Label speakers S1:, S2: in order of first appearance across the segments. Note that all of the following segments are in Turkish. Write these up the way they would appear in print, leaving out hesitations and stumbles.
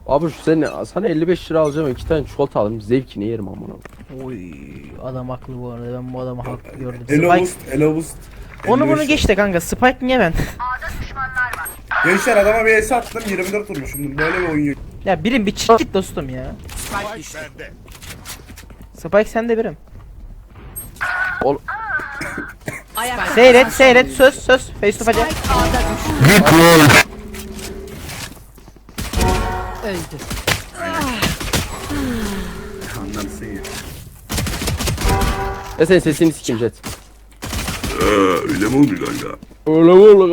S1: Abi şu sana 55 lira alacağım, 2 tane çikolata alırım, zevkini yerim amına.
S2: Oy adam haklı bu arada, ben bu adamı haklı gördüm.
S3: Elo
S2: Spike,
S3: boost, elo boost.
S2: onu
S3: 55
S2: bunu geç de kanka, Spike niye ben?
S3: Gençler adama bir es attım 24 vurmuşum. Böyle bir oyun yok.
S2: Ya birim bir çık git dostum ya. Spike sende birim.
S1: Ol
S2: Seyret söz face to face.
S4: Öldü.
S3: Anlarsın ya.
S1: Ya senin sesini sikeyim Jet.
S3: Öyle mi oldu kanka?
S1: Öyle öyle.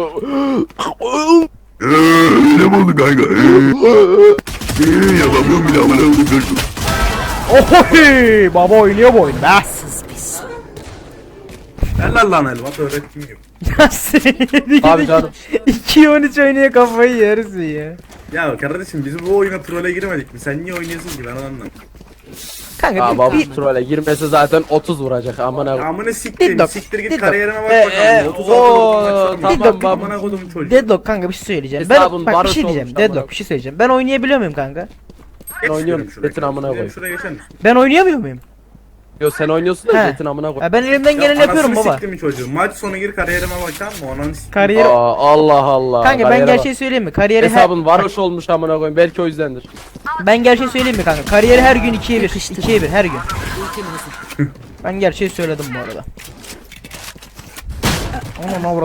S3: Öyle mi oldu kanka? Yapamıyorum bile amına koydum kanka.
S2: Ohoy baba oynuyor bu oyunu be.
S3: Helal lan Elvat öğrettim gibi.
S2: Ya seni
S1: Abi canım.
S2: 2-13 oynuyor, kafayı yersin ya.
S3: Ya kardeşim biz bu oyuna trole girmedik mi? Sen niye oynuyorsun ki ben anlamadım.
S2: Kanka
S1: Aa baba
S2: bir
S1: trole girmese zaten 30 vuracak amına.
S3: Amına siktir,
S2: Deadlock,
S3: siktir git
S2: Deadlock.
S3: kariyerine bak
S1: Ee,
S3: bakalım. 36
S1: oo,
S3: vurdum
S1: tamam
S3: maç
S1: baba.
S3: Amına kodum çocuğu.
S2: Deadlock kanka, bir şey söyleyeceğim.
S1: Hesabın
S2: Ben bak bir
S1: barış
S2: şey diyeceğim.
S1: olmuş
S2: Deadlock
S1: amına.
S2: bir şey söyleyeceğim. Ben oynayabiliyor muyum kanka?
S3: Geç
S1: oynuyorum,
S3: şuraya,
S1: Jet'in amına
S3: şuraya,
S1: koy.
S3: Şuraya geçer misin?
S2: Ben oynayamıyor muyum?
S1: Yo sen oynuyorsun da
S2: He.
S1: Jet'in amına koy.
S2: Ya ben elimden geleni yapıyorum
S3: anasını
S2: baba.
S3: siktim mi çocuğu? Maç sonu gir kariyerime bakar mı? Ananı siktim.
S2: Kariyer.
S1: Aa, Allah Allah.
S2: Kanka ben
S1: Kariyere bak.
S2: gerçeği söyleyeyim mi? Kariyeri
S1: Hesabın varoş olmuş amına koyayım, belki o yüzdendir.
S2: ben gerçeği söyleyeyim mi kanka? Kariyeri her gün 2'ye 1. 2'ye 1 her gün.
S4: Ultim hazır.
S2: Ben gerçeği söyledim bu arada. Onun